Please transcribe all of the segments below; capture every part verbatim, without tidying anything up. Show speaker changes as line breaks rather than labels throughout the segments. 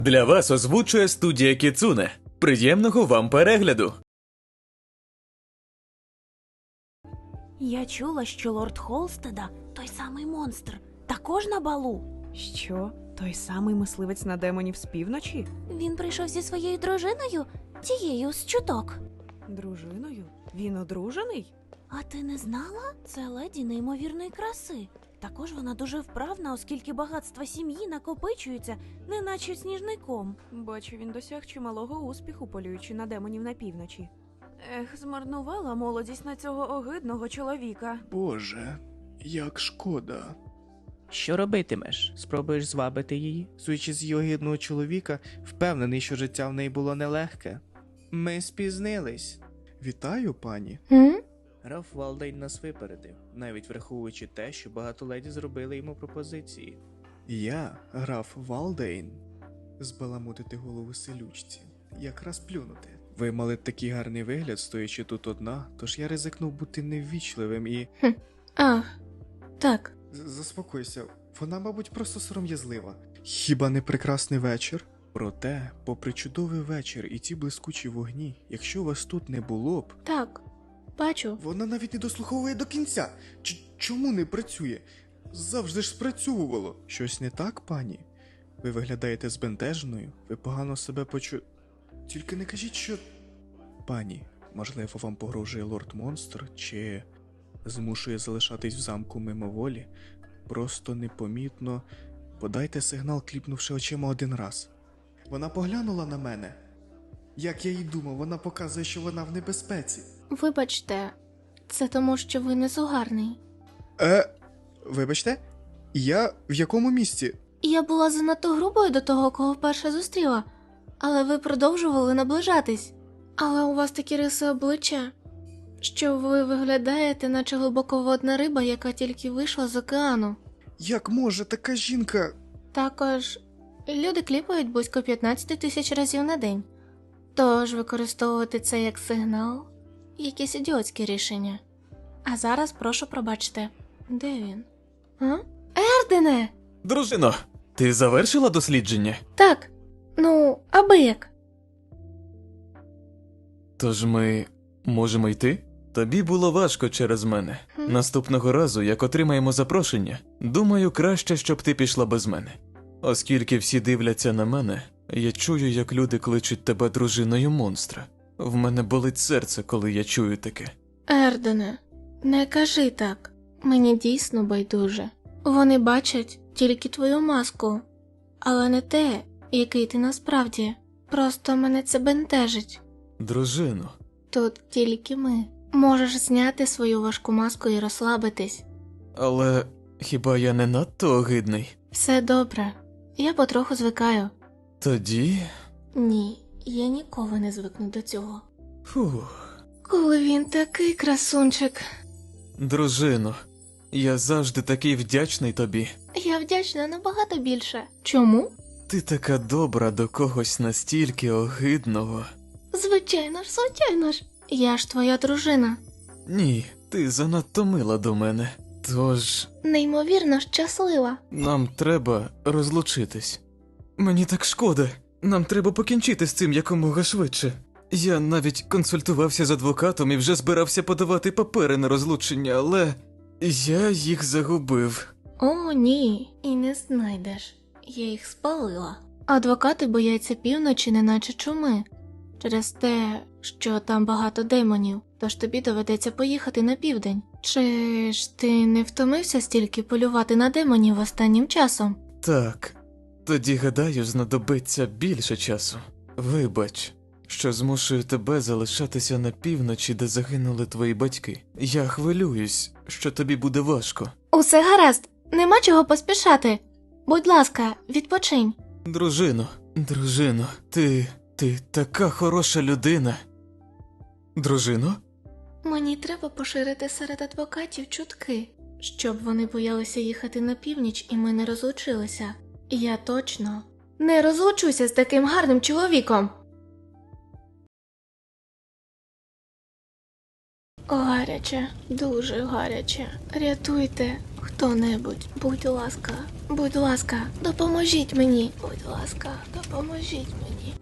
Для вас озвучує студія Кіцуне. Приємного вам перегляду!
Я чула, що лорд Холстеда, той самий монстр, також на балу.
Що? Той самий мисливець на демонів з півночі?
Він прийшов зі своєю дружиною, тією з чуток.
Дружиною? Він одружений?
А ти не знала? Це леді неймовірної краси. Також вона дуже вправна, оскільки багатства сім'ї накопичуються, неначе сніжний ком.
Бачу, він досяг чималого успіху, полюючи на демонів на півночі. Ех, змарнувала молодість на цього огидного чоловіка.
Боже, як шкода.
Що робитимеш? Спробуєш звабити її?
Суючи з її огидного чоловіка, впевнений, що життя в неї було нелегке.
Ми спізнились.
Вітаю, пані.
М?
Раф Валдейн нас випередив, навіть враховуючи те, що багато леді зробили йому пропозиції.
Я, граф Валдейн. Збаламутити голову селючці. Якраз плюнути. Ви мали такий гарний вигляд, стоячи тут одна, тож я ризикнув бути неввічливим і...
А, так.
З- Заспокойся, вона, мабуть, просто сором'язлива. Хіба не прекрасний вечір? Проте, попри чудовий вечір і ті блискучі вогні, якщо вас тут не було б...
Так, бачу.
Вона навіть не дослуховує до кінця. Ч- чому не працює? Завжди ж спрацьовувало. Щось не так, пані? Ви виглядаєте збентеженою, ви погано себе почу... Тільки не кажіть, що... Пані, можливо, вам погрожує лорд-монстр, чи змушує залишатись в замку мимоволі? Просто непомітно подайте сигнал, кліпнувши очима один раз. Вона поглянула на мене. Як я й думав, вона показує, що вона в небезпеці.
Вибачте, це тому, що ви не сугарний.
Е, вибачте, я в якому місці?
Я була занадто грубою до того, кого вперше зустріла, але ви продовжували наближатись. Але у вас такі риси обличчя, що ви виглядаєте, наче глибоководна риба, яка тільки вийшла з океану.
Як може така жінка?
Також люди кліпають близько п'ятнадцять тисяч разів на день. Тож використовувати це як сигнал – якесь ідіотське рішення. А зараз прошу пробачте. Де він? А? Ердене!
Дружино, ти завершила дослідження?
Так, ну, аби як.
Тож ми можемо йти? Тобі було важко через мене.
Хм.
Наступного разу, як отримаємо запрошення, думаю, краще, щоб ти пішла без мене. Оскільки всі дивляться на мене, я чую, як люди кличуть тебе дружиною монстра. В мене болить серце, коли я чую таке.
Ердене, не кажи так. Мені дійсно байдуже. Вони бачать тільки твою маску, але не те, який ти насправді. Просто мене це бентежить.
Дружино,
Тут тільки ми. Можеш зняти свою важку маску і розслабитись.
але хіба я не надто огидний?
Все добре. Я потроху звикаю.
Тоді...
Ні, я ніколи не звикну до цього.
Фух...
Коли він такий красунчик.
Дружино, я завжди такий вдячний тобі.
Я вдячна набагато більше. Чому?
Ти така добра до когось настільки огидного.
Звичайно ж, звичайно ж. Я ж твоя дружина.
Ні, ти занадто мила до мене. Тож
Неймовірно щаслива.
нам треба розлучитись. Мені так шкода. Нам треба покінчити з цим якомога швидше. Я навіть консультувався з адвокатом і вже збирався подавати папери на розлучення, але я їх загубив.
О, ні, і не знайдеш. Я їх спалила. Адвокати бояться півночі, неначе чуми. Через те, що там багато демонів, тож тобі доведеться поїхати на південь. Чи ж ти не втомився стільки полювати на демонів останнім часом?
Так, тоді, гадаю, знадобиться більше часу. Вибач, що змушую тебе залишатися на півночі, де загинули твої батьки. Я хвилююсь, що тобі буде важко.
Усе гаразд, нема чого поспішати. Будь ласка, відпочинь.
Дружино, дружино, ти... ти така хороша людина. Дружино?
Мені треба поширити серед адвокатів чутки, щоб вони боялися їхати на північ і ми не розлучилися. Я точно не розлучуся з таким гарним чоловіком. Ой, гаряче, дуже гаряче. Рятуйте хто-небудь, будь ласка, будь ласка, допоможіть мені. Будь ласка, допоможіть мені.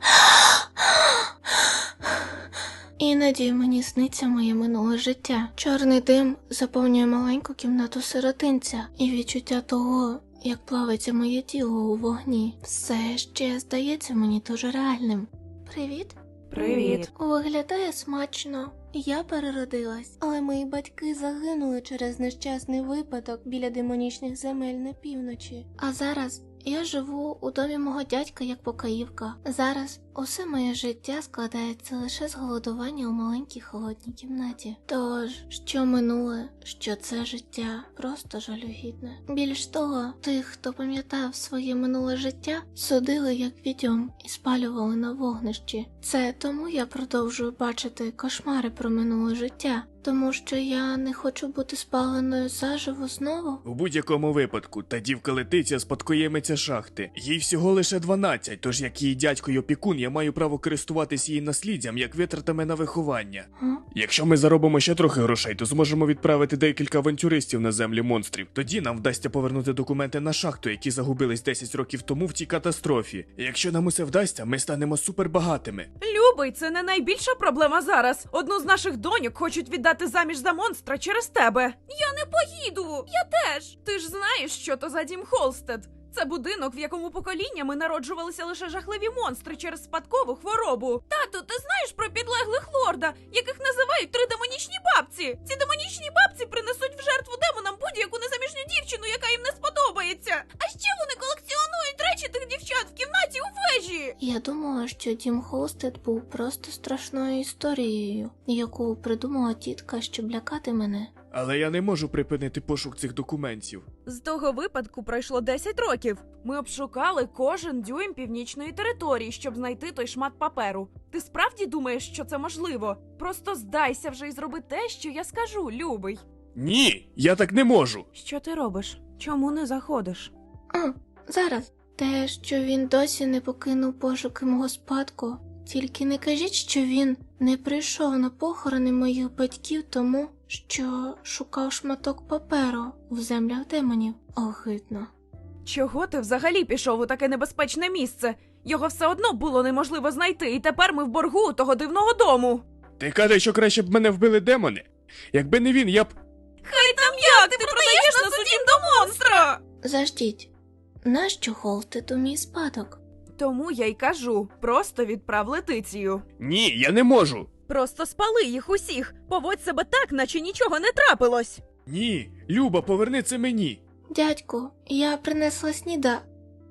Іноді мені сниться моє минуле життя. Чорний дим заповнює маленьку кімнату сиротинця, і відчуття того, як плавиться моє тіло у вогні, все ще здається мені дуже реальним. Привіт.
Привіт.
Виглядає смачно. Я переродилась, але мої батьки загинули через нещасний випадок біля демонічних земель на півночі. А зараз я живу у домі мого дядька як покоївка. Зараз усе моє життя складається лише з голодування у маленькій холодній кімнаті. Тож, що минуле, що це життя просто жалюгідне. Більш того, тих, хто пам'ятав своє минуле життя, судили як відьом і спалювали на вогнищі. Це тому я продовжую бачити кошмари про минуле життя. Тому що я не хочу бути спаленою заживо знову?
У будь-якому випадку, та дівка Летиця спадкоємиця шахти. Їй всього лише дванадцять, тож як її дядько й опікун, я маю право користуватись її насліддям як витратами на виховання.
Га?
Якщо ми заробимо ще трохи грошей, то зможемо відправити декілька авантюристів на землі монстрів. Тоді нам вдасться повернути документи на шахту, які загубились десять років тому в тій катастрофі. І якщо нам усе вдасться, ми станемо супербагатими.
Любий, це не найбільша проблема зараз. Одну з наших доньок хочуть віддати заміж за монстра через тебе. Я не поїду. Я теж. Ти ж знаєш, що то за дім Холстед. Це будинок, в якому поколіннями народжувалися лише жахливі монстри через спадкову хворобу. Тату, ти знаєш про підлеглих лорда, яких називають три демонічні бабці? Ці демонічні бабці принесуть в жертву демонам будь-яку незаміжню дівчину, яка їм не сподобається. А ще вони колекціонують речі тих дівчат в кімнаті у вежі.
Я думала, що дім Холстед був просто страшною історією, яку придумала тітка, щоб лякати мене.
Але я не можу припинити пошук цих документів.
З того випадку пройшло десять років. Ми обшукали кожен дюйм північної території, щоб знайти той шмат паперу. Ти справді думаєш, що це можливо? Просто здайся вже і зроби те, що я скажу, любий.
Ні, я так не можу.
Що ти робиш? Чому не заходиш?
А, зараз. Те, що він досі не покинув пошуки мого спадку. Тільки не кажіть, що він не прийшов на похорони моїх батьків тому, що шукав шматок паперу в землях демонів. Огидно.
Чого ти взагалі пішов у таке небезпечне місце? Його все одно було неможливо знайти, і тепер ми в боргу у того дивного дому.
Ти кажеш, що краще б мене вбили демони? Якби не він, я б...
Хай там як, ти, ти продаєш нас у дім до монстра!
Заждіть. Нащо Холстеду мій спадок?
Тому я й кажу, просто відправ Летицію.
Ні, я не можу.
Просто спали їх усіх, поводь себе так, наче нічого не трапилось.
Ні, Люба, поверни це мені.
Дядьку, я принесла сніда.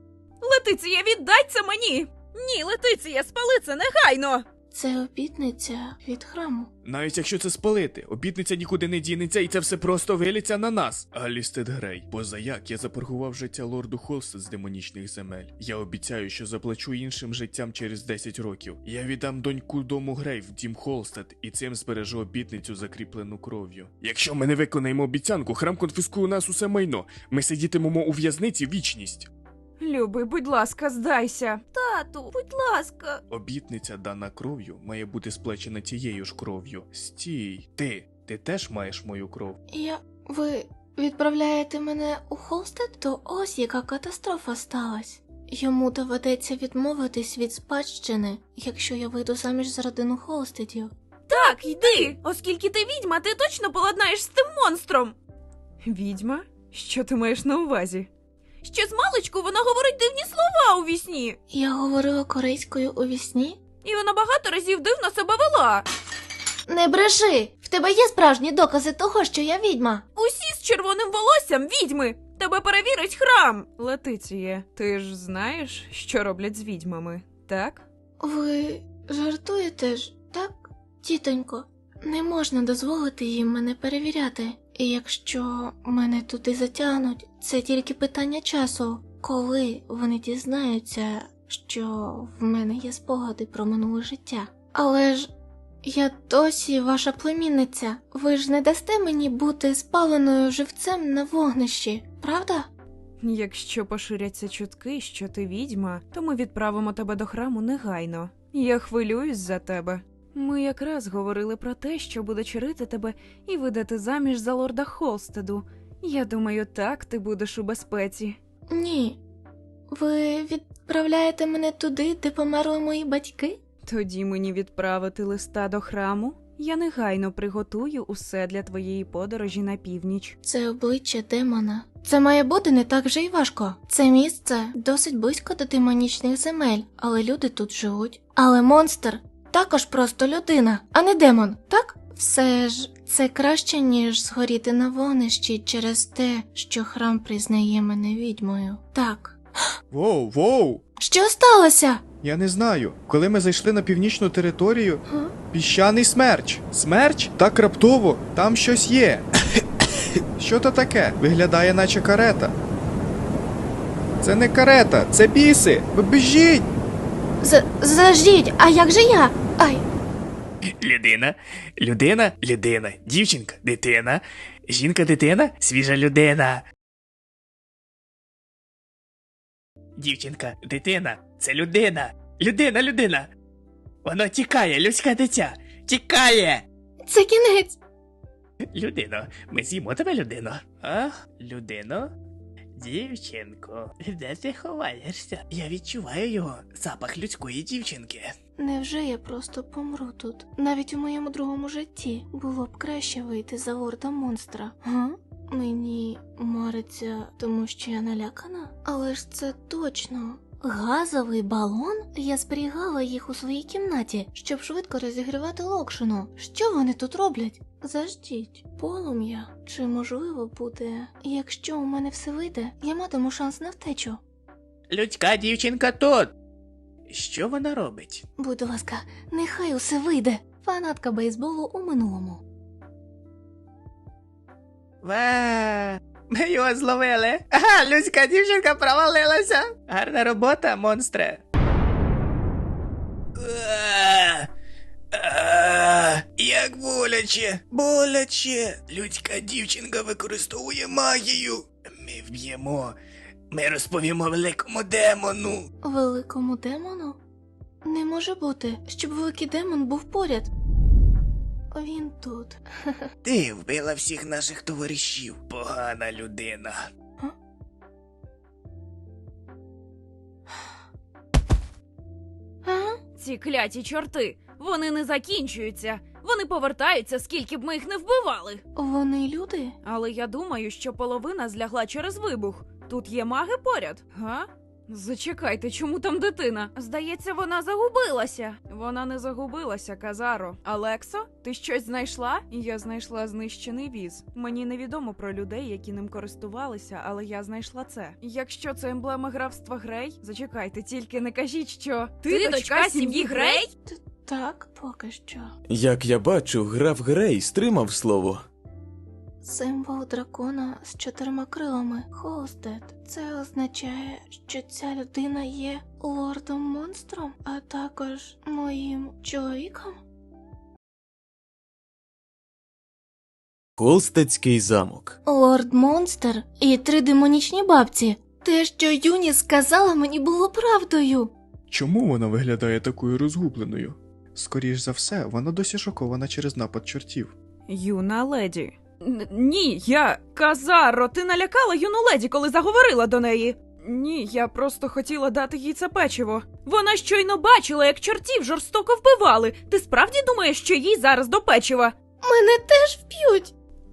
Летиція, віддай це мені! Ні, Летиція, спали це негайно!
Це обітниця від храму.
Навіть якщо це спалити, обітниця нікуди не дінеться, і це все просто виліться на нас. Алістед Грей, позаяк я запоргував життя лорду Холстед з демонічних земель. Я обіцяю, що заплачу іншим життям через десять років. Я віддам доньку дому Грей в дім Холстед, і цим збережу обітницю, закріплену кров'ю. Якщо ми не виконаємо обіцянку, храм конфіскує у нас усе майно. Ми сидітимемо у в'язниці вічність.
Любий, будь ласка, здайся. Тату, будь ласка.
Обітниця, дана кров'ю, має бути сплечена тією ж кров'ю. Стій. Ти, ти теж маєш мою кров?
Я... Ви відправляєте мене у Холстед? То ось яка катастрофа сталась. Йому доведеться відмовитись від спадщини, якщо я вийду заміж за родину Холстедів.
Так, йди! Оскільки ти відьма, ти точно поладнаєш з тим монстром. Відьма? Що ти маєш на увазі? Ще з маличку вона говорить дивні слова у вісні.
Я говорила корейською у вісні?
І вона багато разів дивно себе вела.
Не бреши! В тебе є справжні докази того, що я відьма?
Усі з червоним волоссям відьми. Тебе перевірить храм. Летиція, ти ж знаєш, що роблять з відьмами, так?
Ви жартуєте ж, так? Тітонько, не можна дозволити їм мене перевіряти. І якщо мене туди затягнуть, це тільки питання часу, коли вони дізнаються, що в мене є спогади про минуле життя. Але ж я досі ваша племінниця. Ви ж не дасте мені бути спаленою живцем на вогнищі, правда?
Якщо поширяться чутки, що ти відьма, то ми відправимо тебе до храму негайно. Я хвилююсь за тебе. Ми якраз говорили про те, що буде чарити тебе і видати заміж за лорда Холстеду. Я думаю, так ти будеш у безпеці.
Ні. Ви відправляєте мене туди, де померли мої батьки?
Тоді мені відправити листа до храму. Я негайно приготую усе для твоєї подорожі на північ.
Це обличчя демона. Це має бути не так вже й важко. Це місце досить близько до демонічних земель, але люди тут живуть. Але монстр також просто людина, а не демон, так? Все ж це краще, ніж згоріти на вогнищі через те, що храм признає мене відьмою. Так.
Воу, воу!
Що сталося?
Я не знаю. Коли ми зайшли на північну територію,
Га?
піщаний смерч. Смерч? Так раптово, там щось є. Що то таке? Виглядає, наче карета. Це не карета, це біси. Ви біжіть!
З- Заждіть, а як же я? Ай.
Людина, людина, людина, дівчинка, дитина, жінка, дитина, свіжа людина. Дівчинка, дитина, це людина. Людина, людина. Воно тікає, людське дитя. Тікає.
Це кінець.
Людино, ми з'їмо тебе, людино. А? Людино? Дівчинко, де ти ховаєшся? Я відчуваю його, запах людської дівчинки.
Невже я просто помру тут? Навіть у моєму другому житті було б краще вийти за лорда монстра, га? Мені мариться, тому що я налякана? Але ж це точно. Газовий балон? Я зберігала їх у своїй кімнаті, щоб швидко розігрівати локшину. Що вони тут роблять? Заждіть. Полум'я. Чи можливо буде? Якщо у мене все вийде, я матиму шанс на втечу.
Людська дівчинка тут. Що вона робить?
Будь ласка, нехай усе вийде. Фанатка бейсболу у минулому.
Ва! Ми його зловили. Ага, людська дівчинка провалилася. Гарна робота, монстре. А, а, Як боляче, боляче. Людська дівчинка використовує магію. Ми вб'ємо. Ми розповімо великому демону.
Великому демону? Не може бути, щоб великий демон був поряд. Він тут.
Ти вбила всіх наших товаришів, погана людина.
А?
Ці кляті чорти, вони не закінчуються. Вони повертаються, скільки б ми їх не вбивали.
Вони люди?
Але я думаю, що половина злягла через вибух. Тут є маги поряд, га? Зачекайте, чому там дитина? Здається, вона загубилася. Вона не загубилася, Казаро. Алексо, ти щось знайшла? Я знайшла знищений віз. Мені невідомо про людей, які ним користувалися, але я знайшла це. Якщо це емблема графства Грей, зачекайте, тільки не кажіть, що ти, дочка сім'ї Грей?
Так, поки що.
Як я бачу, граф Грей стримав слово.
Символ дракона з чотирма крилами. Холстед. Це означає, що ця людина є лордом-монстром, а також моїм чоловіком?
Холстедський замок.
Лорд-монстр і три демонічні бабці. Те, що Юні сказала, мені було правдою.
Чому вона виглядає такою розгубленою? Скоріш за все, вона досі шокована через напад чортів.
Юна леді. Н- ні, я... Казаро, ти налякала юну леді, коли заговорила до неї. Ні, я просто хотіла дати їй це печиво. Вона щойно бачила, як чортів жорстоко вбивали. Ти справді думаєш, що їй зараз до печива?
Мене теж вб'ють.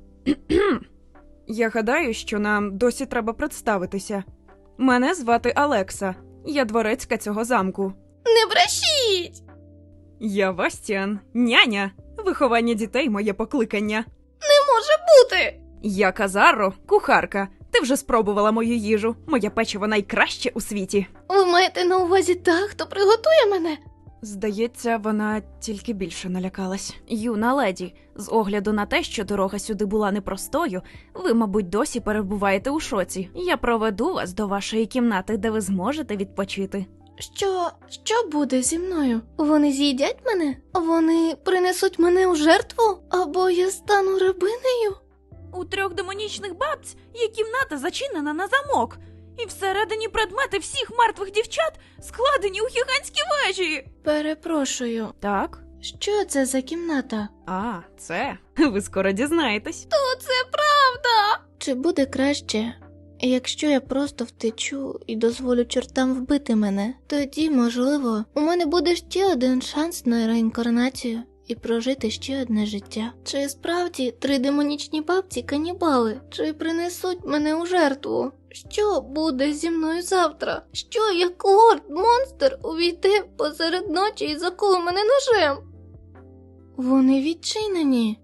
Я гадаю, що нам досі треба представитися. Мене звати Алекса. Я дворецька цього замку.
Не брешіть!
Я Вастіан, няня. Виховання дітей – моє покликання.
Не може бути!
Я Казаро, кухарка. Ти вже спробувала мою їжу. Моє печиво найкраще у світі.
Ви маєте на увазі та, хто приготує мене?
Здається, вона тільки більше налякалась. Юна леді, з огляду на те, що дорога сюди була непростою, ви, мабуть, досі перебуваєте у шоці. Я проведу вас до вашої кімнати, де ви зможете відпочити.
Що, що буде зі мною? Вони з'їдять мене? Вони принесуть мене у жертву? Або я стану рабинею?
У трьох демонічних бабць є кімната зачинена на замок. І всередині предмети всіх мертвих дівчат складені у гігантські вежі.
Перепрошую,
Так?
Що це за кімната?
А, це. Ви скоро дізнаєтесь.
Чи буде краще, якщо я просто втечу і дозволю чортам вбити мене? Тоді, можливо, у мене буде ще один шанс на реінкарнацію і прожити ще одне життя. Чи справді три демонічні бабці канібали? Чи принесуть мене у жертву? Що буде зі мною завтра? Що, як лорд-монстр увійде посеред ночі і заколе мене ножем? Вони відчинені.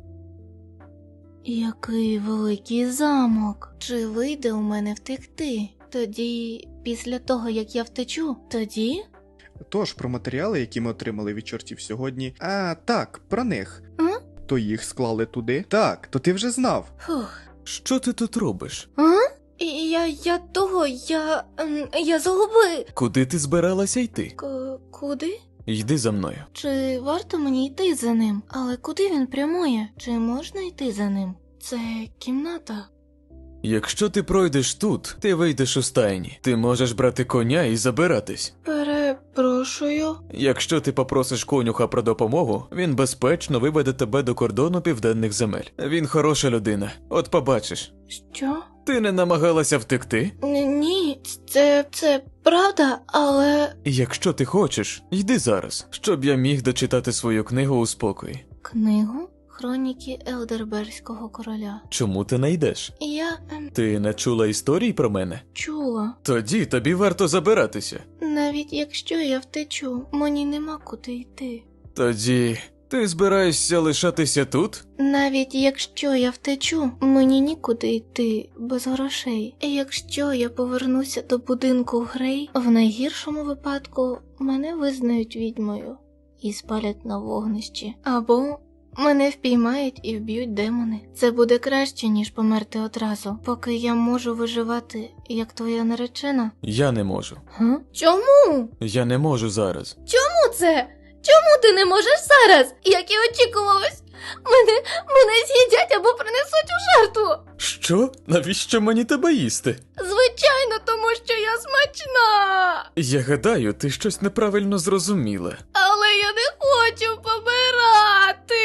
Який великий замок. Чи вийде у мене втекти? Тоді, після того, як я втечу, тоді?
Тож, про матеріали, які ми отримали від чортів сьогодні. А, так, про них.
А?
То їх склали туди? Так, то ти вже знав.
Фух.
Що ти тут робиш?
А? І Я, я того, я, ем, я загуби.
Куди ти збиралася йти?
К- куди?
Йди за мною.
Чи варто мені йти за ним? Але куди він прямує? Чи можна йти за ним? Це кімната.
Якщо ти пройдеш тут, ти вийдеш у стайні. Ти можеш брати коня і забиратись.
Перепрошую.
Якщо ти попросиш конюха про допомогу, він безпечно виведе тебе до кордону південних земель. Він хороша людина. От побачиш.
Що?
Ти не намагалася втекти?
Н- Ні, це, це правда, але...
Якщо ти хочеш, йди зараз, щоб я міг дочитати свою книгу у спокої.
Книгу? Хроніки Елдерберського короля.
Чому ти не йдеш?
Я ем,
Ти не чула історій про мене?
чула.
Тоді тобі варто забиратися.
Навіть якщо я втечу, мені нема куди йти.
Тоді ти збираєшся лишатися тут?
Навіть якщо я втечу, мені нікуди йти без грошей. Якщо я повернуся до будинку Грей, в найгіршому випадку мене визнають відьмою і спалять на вогнищі. Або мене впіймають і вб'ють демони. Це буде краще, ніж померти одразу, поки я можу виживати, як твоя наречена.
Я не можу.
Га? Чому?
Я не можу зараз.
Чому це? Чому ти не можеш зараз? Як і очікувалось? Мене, мене з'їдять або принесуть у жертву.
Що? Навіщо мені тебе їсти?
Звичайно, тому що я смачна.
Я гадаю, ти щось неправильно зрозуміла.
Але я не хочу помирати.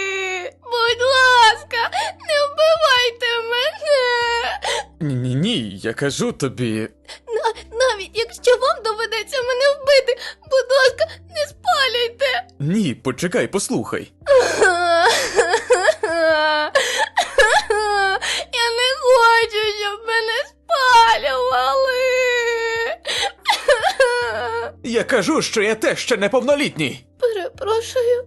Будь ласка, не вбивайте мене.
Ні-ні-ні, я кажу тобі.
Навіть якщо вам доведеться мене вбити, будь ласка, не спалюйте.
Ні, почекай, послухай.
Я не хочу, щоб мене спалювали.
Я кажу, що я теж ще неповнолітній.
Перепрошую.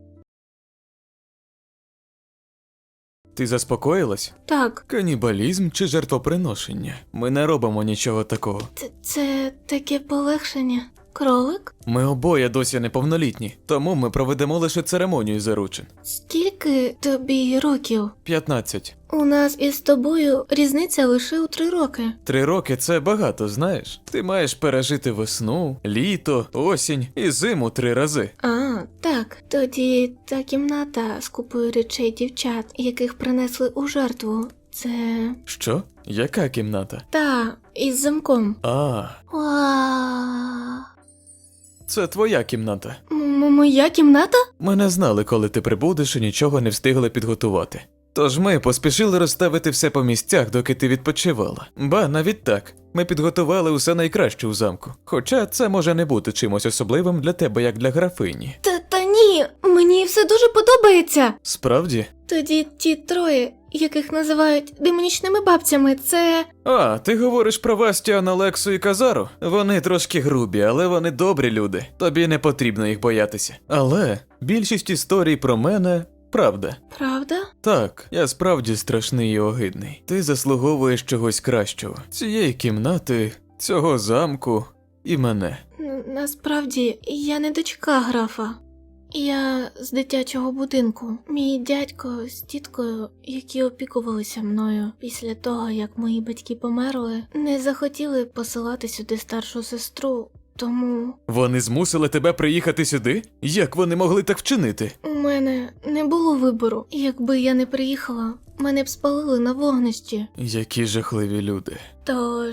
Ти заспокоїлась?
Так,
Канібалізм чи жертвоприношення? Ми не робимо нічого такого.
це, це таке полегшення. Кролик?
Ми обоє досі неповнолітні, тому ми проведемо лише церемонію заручин.
Скільки тобі років?
п'ятнадцять.
У нас із тобою різниця лише у три роки.
Три роки – це багато, знаєш? Ти маєш пережити весну, літо, осінь і зиму три рази.
А, так. Тоді та кімната з купою речей дівчат, яких принесли у жертву. Це...
Що? Яка кімната?
Та, із замком.
А,
Ва.
це твоя кімната.
М- Моя кімната?
Ми не знали, коли ти прибудеш і нічого не встигли підготувати. Тож ми поспішили розставити все по місцях, доки ти відпочивала. Ба, навіть так. Ми підготували усе найкраще у замку. Хоча це може не бути чимось особливим для тебе, як для графині.
Та, та ні, мені все дуже подобається.
Справді?
Тоді ті троє, яких називають демонічними бабцями, це...
А, ти говориш про Вастіана, Лексу і Казару? Вони трошки грубі, але вони добрі люди. Тобі не потрібно їх боятися. Але більшість історій про мене правда.
Правда?
Так, я справді страшний і огидний. Ти заслуговуєш чогось кращого. Цієї кімнати, цього замку і мене.
Н- Насправді, я не дочка графа. Я з дитячого будинку. Мій дядько з тіткою, які опікувалися мною після того, як мої батьки померли, не захотіли посилати сюди старшу сестру, тому
Вони змусили тебе приїхати сюди? Як вони могли так вчинити?
у мене не було вибору. Якби я не приїхала, мене б спалили на вогнищі.
Які жахливі люди.
Тож,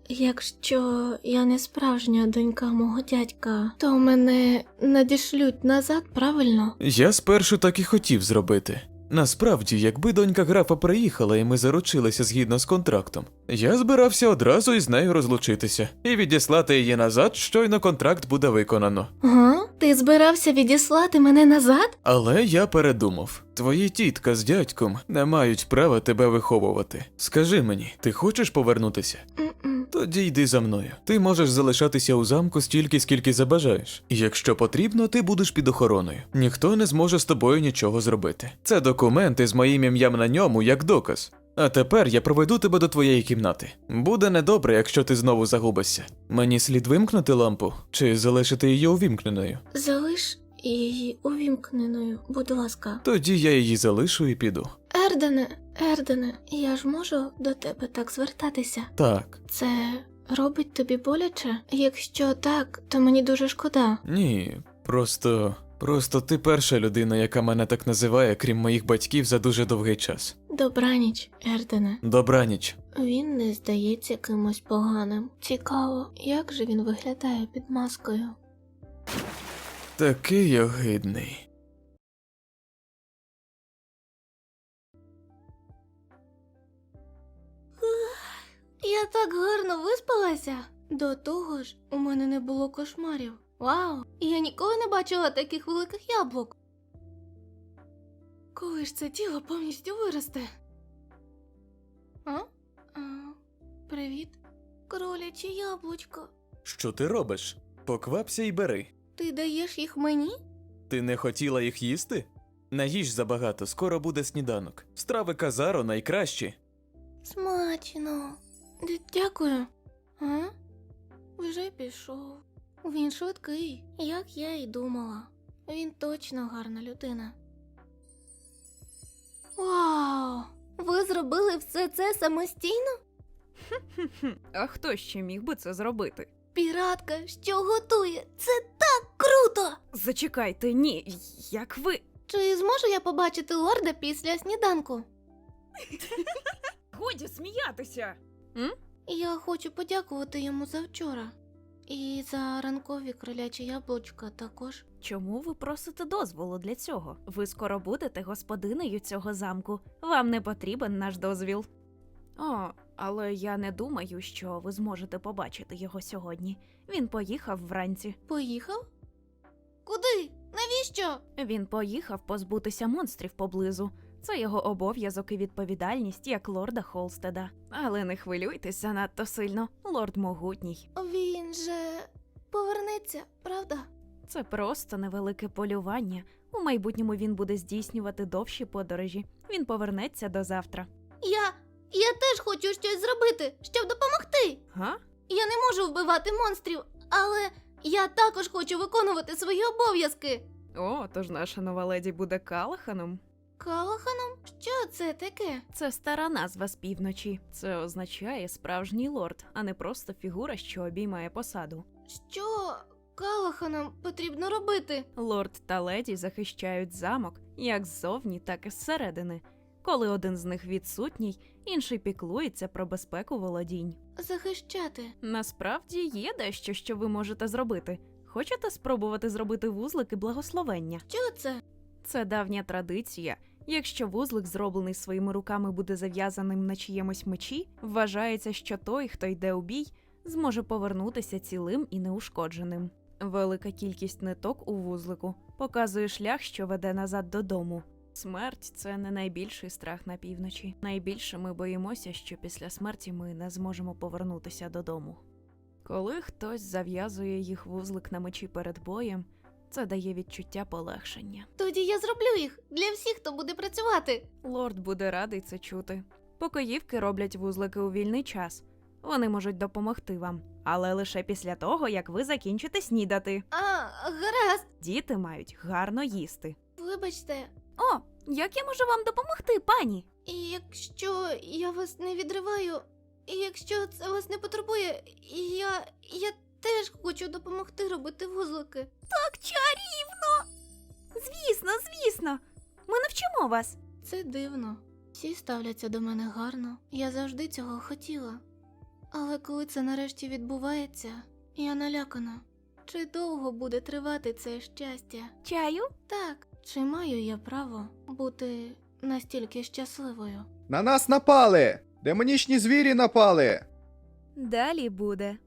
якщо я не справжня донька мого дядька, то мене надішлють назад, правильно?
Я спершу так і хотів зробити. Насправді, якби донька графа приїхала і ми заручилися згідно з контрактом, я збирався одразу із нею розлучитися і відіслати її назад, щойно контракт буде виконано.
Га? Ти збирався відіслати мене назад?
Але я передумав. Твої тітка з дядьком не мають права тебе виховувати. Скажи мені, ти хочеш повернутися?
М-м.
Тоді йди за мною. Ти можеш залишатися у замку стільки, скільки забажаєш. І якщо потрібно, ти будеш під охороною. Ніхто не зможе з тобою нічого зробити. Це документи з моїм ім'ям на ньому як доказ. А тепер я проведу тебе до твоєї кімнати. Буде недобре, якщо ти знову загубишся. Мені слід вимкнути лампу чи залишити її увімкненою?
Залиш її увімкненою, будь ласка.
Тоді я її залишу і піду.
Ердене, Ердене, я ж можу до тебе так звертатися?
Так.
Це робить тобі боляче? Якщо так, то мені дуже шкода.
Ні, просто... Просто ти перша людина, яка мене так називає, крім моїх батьків, за дуже довгий час.
Добраніч, Ердене.
Добраніч.
Він не здається кимось поганим. Цікаво, як же він виглядає під маскою?
Такий огидний.
Я так гарно виспалася. До того ж, у мене не було кошмарів. Вау! Я ніколи не бачила таких великих яблук. Коли ж це тіло повністю виросте? А? а привіт, кроляче яблучко.
Що ти робиш? Поквапся і бери.
Ти даєш їх мені?
Ти не хотіла їх їсти? Наїж забагато, скоро буде сніданок. Страви Казаро найкращі.
Смачно. Д- Дякую. А? Вже пішов. Він швидкий, як я і думала. Він точно гарна людина. Вау! Ви зробили все це самостійно?
Хм, а хто ще міг би це зробити?
Піратка, що готує? Це так круто!
Зачекайте, ні, як ви.
Чи зможу я побачити лорда після сніданку?
Годі сміятися.
Я хочу подякувати йому за вчора. І за ранкові кролячі яблучка також.
Чому ви просите дозволу для цього? Ви скоро будете господинею цього замку. Вам не потрібен наш дозвіл. О, але я не думаю, що ви зможете побачити його сьогодні. Він поїхав вранці.
Поїхав? Куди? Навіщо?
Він поїхав позбутися монстрів поблизу. Це його обов'язок і відповідальність як лорда Холстеда. Але не хвилюйтесь занадто сильно, лорд могутній.
Він же повернеться, правда?
Це просто невелике полювання. У майбутньому він буде здійснювати довші подорожі. Він повернеться до завтра.
Я. Я теж хочу щось зробити, щоб допомогти.
Га?
Я не можу вбивати монстрів, але я також хочу виконувати свої обов'язки.
О, тож наша нова леді буде Калаханом?
Калаханом? Що це таке?
Це стара назва з півночі. Це означає справжній лорд, а не просто фігура, що обіймає посаду.
Що Калаханом потрібно робити?
Лорд та леді захищають замок як ззовні, так і зсередини. Коли один з них відсутній, інший піклується про безпеку володінь.
Захищати.
Насправді є дещо, що ви можете зробити. Хочете спробувати зробити вузлики благословення?
Що це?
Це давня традиція. Якщо вузлик, зроблений своїми руками, буде зав'язаним на чиємусь мечі, вважається, що той, хто йде у бій, зможе повернутися цілим і неушкодженим. Велика кількість ниток у вузлику показує шлях, що веде назад додому. Смерть – це не найбільший страх на півночі. Найбільше ми боїмося, що після смерті ми не зможемо повернутися додому. Коли хтось зав'язує їх вузлик на мечі перед боєм, це дає відчуття полегшення.
Тоді я зроблю їх для всіх, хто буде працювати.
Лорд буде радий це чути. Покоївки роблять вузлики у вільний час. Вони можуть допомогти вам, але лише після того, як ви закінчите снідати.
А, гаразд.
Діти мають гарно їсти.
Вибачте,
О, як я можу вам допомогти, пані?
і якщо я вас не відриваю, і якщо це вас не потребує, я. я теж хочу допомогти робити вузлики.
Так чарівно! Звісно, звісно. Ми навчимо вас.
Це дивно. Всі ставляться до мене гарно. Я завжди цього хотіла. Але коли це нарешті відбувається, я налякана. Чи довго буде тривати це щастя?
Чаю?
Так, чи маю я право бути настільки щасливою?
На нас напали! Демонічні звірі напали!
Далі буде.